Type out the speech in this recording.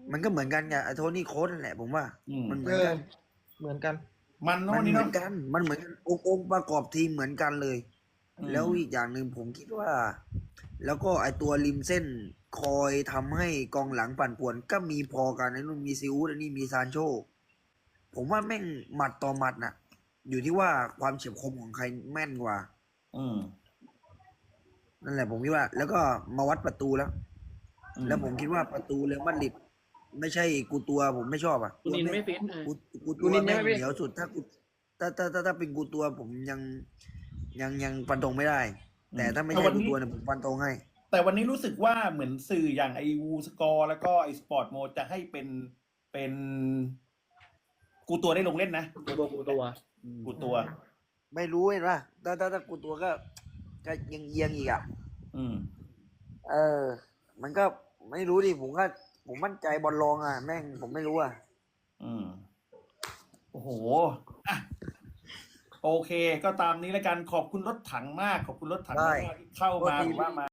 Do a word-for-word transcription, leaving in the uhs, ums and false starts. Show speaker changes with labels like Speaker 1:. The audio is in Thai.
Speaker 1: มันก็เหมือนกันไงไอ้โทนี่โค้ชนั่นแหละผมว่า
Speaker 2: อืม
Speaker 1: มันเหมื
Speaker 3: เอ
Speaker 1: อน
Speaker 3: อ
Speaker 1: กัน
Speaker 3: เหมือนกัน
Speaker 2: มัน
Speaker 1: มั
Speaker 2: เนาะ
Speaker 1: น
Speaker 2: นี่
Speaker 1: เหมื
Speaker 2: เนาะ
Speaker 1: อนกัน มันเหมือนกันองค์องค์ประกอบทีมเหมือนกันเลย
Speaker 2: อืม
Speaker 1: แล้วอีกอย่างหนึ่งผมคิดว่า แล้วก็ไอตัวริมเส้นคอยทำให้กองหลังปั่นป่วน ก็มีพอกันไอ้นู่นมีซิอูดอันนี้มีซานโช ผมว่าแม่งหมัดต่อหมัดน่ะ อยู่ที่ว่าความเฉียบคมของใครแม่นกว่า
Speaker 2: อืม
Speaker 1: นั่นแหละผมคิดว่า แล้วก็มาวัดประตูแล้ว
Speaker 2: อืม
Speaker 1: แล้วผมคิดว่าประตูเรอัลมาดริดไม่ใช่กูตัวผมไม่ชอบอ่ะ
Speaker 4: กูนินไม่ฟิตเออ
Speaker 1: กูกู
Speaker 3: กู
Speaker 1: ตัว
Speaker 3: นิน
Speaker 1: แม่ง
Speaker 3: ใช่ไหมพี่
Speaker 1: เหนียวสุดถ้ากูถ้าถ้าถ้าถ้าเป็นกูตัวผมยังยังยังฟันธงไม่ได้ แต่ถ้าไม่ใช่กูตัวเนี่ยผมฟันธงให้
Speaker 2: แต่วันนี้รู้สึกว่าเหมือนสื่ออย่างไอวูสกอร์แล้วก็ไอสปอร์ตโมจะให้เป็นเป็นกูตัวได้ลงเล่นนะ
Speaker 4: กูตัวกูตัว
Speaker 2: กูตัว
Speaker 1: ไม่รู้เห็นป่ะถ้าถ้าถ้ากูตัวก็ก็ยังเอียงอีกอ่ะ
Speaker 2: อืม
Speaker 1: เออ มันก็ไม่รู้ดิผมก็ผมมั่นใจบอลรองอ่ะแม่งผมไม่รู้อ่ะ
Speaker 2: อืม โอ้โหอ่ะโอเค ก็ตามนี้แล้วกันขอบคุณรถถังมาก ขอบคุณรถถังมากที่เข้ามา
Speaker 1: ได้
Speaker 2: หรือว่ามา